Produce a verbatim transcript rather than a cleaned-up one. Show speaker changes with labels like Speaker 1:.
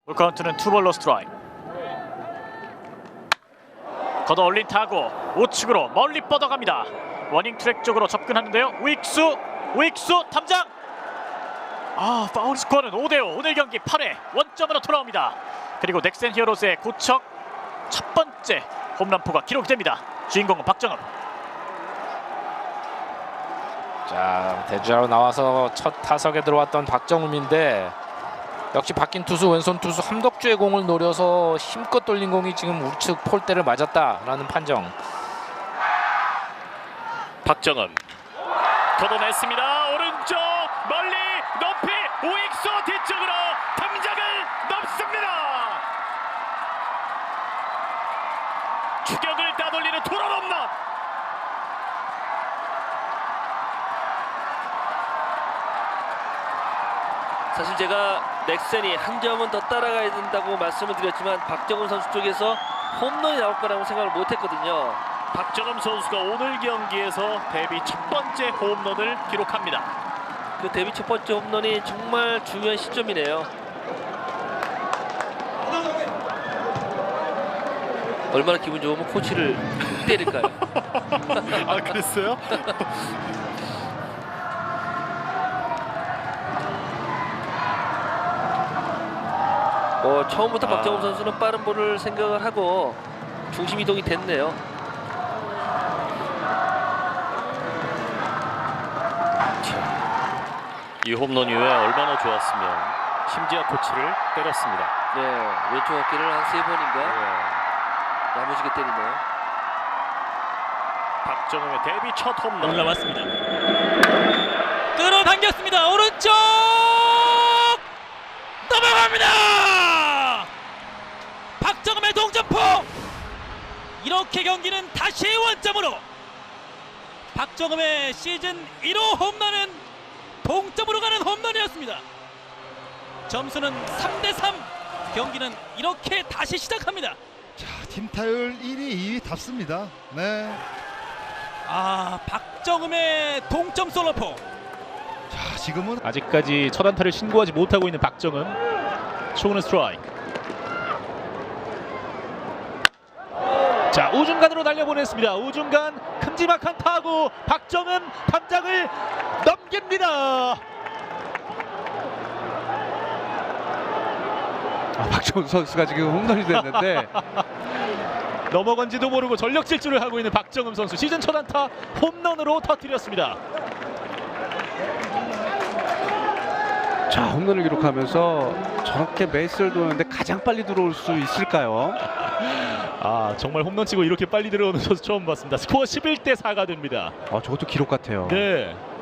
Speaker 1: 볼 카운트는 투볼로 스트라이크. 걷어 올린 타구 우측으로 멀리 뻗어갑니다. 워닝 트랙 쪽으로 접근하는데요. 우익수 우익수 탐장. 아 파울 스코어는 오 대 오. 오늘 경기 팔 회 원점으로 돌아옵니다. 그리고 넥센 히어로즈의 고척 첫 번째 홈런포가 기록됩니다. 주인공은 박정읍.
Speaker 2: 자, 대주자로 나와서 첫 타석에 들어왔던 박정음인데 역시 바뀐 투수 왼손 투수 함덕주의 공을 노려서 힘껏 돌린 공이 지금 우측 폴대를 맞았다라는 판정.
Speaker 1: 박정은 걷어냈습니다. 오른쪽 멀리 높이 우익수 뒤쪽으로 탐장을 넘습니다. 추격을 따돌리는 투런 홈런.
Speaker 3: 사실 제가 넥센이 한 점은 더 따라가야 된다고 말씀을 드렸지만 박정은 선수 쪽에서 홈런이 나올 거라고 생각을 못했거든요.
Speaker 1: 박정음 선수가 오늘 경기에서 데뷔 첫 번째 홈런을 기록합니다.
Speaker 3: 그 데뷔 첫 번째 홈런이 정말 중요한 시점이네요. 얼마나 기분 좋으면 코치를 때릴까요?
Speaker 1: 아 그랬어요?
Speaker 3: 어, 처음부터
Speaker 1: 아.
Speaker 3: 박정음 선수는 빠른 볼을 생각을 하고 중심 이동이 됐네요.
Speaker 1: 이 홈런 이후에 얼마나 좋았으면 심지어 코치를 때렸습니다.
Speaker 3: 네, 왼쪽 어깨를 한 세 번인가
Speaker 1: 네.
Speaker 3: 야무지게 때리네요.
Speaker 1: 박정음의 데뷔 첫 홈런 올라왔습니다.
Speaker 4: 끌어당겼습니다. 오른쪽 넘어갑니다. 박정음의 동점포. 이렇게 경기는 다시 원점으로. 박정음의 시즌 일 호 홈런은 동점으로 가는 홈런이었습니다. 점수는 삼 대 삼. 경기는 이렇게 다시 시작합니다.
Speaker 5: 자, 팀 타율 일 위, 이 위답습니다. 네.
Speaker 4: 아, 박정음의 동점 솔로포.
Speaker 5: 자, 지금은
Speaker 6: 아직까지 첫 안타를 신고하지 못하고 있는 박정은. 초구는 스트라이크. 자, 우중간으로 날려보냈습니다. 우중간 큼지막한 타구. 박정은 탐장을 넘깁니다.
Speaker 7: 아, 박정훈 선수가 지금 홈런이 됐는데
Speaker 6: 넘어간지도 모르고 전력 질주를 하고 있는 박정음 선수. 시즌 첫 안타 홈런으로 터뜨렸습니다.
Speaker 7: 자, 홈런을 기록하면서 저렇게 베이스를 도는데 가장 빨리 들어올 수 있을까요?
Speaker 6: 아, 정말 홈런 치고 이렇게 빨리 들어오는 선수 처음 봤습니다. 스코어 십일 대 사가 됩니다.
Speaker 7: 아, 저것도 기록 같아요.
Speaker 6: 네.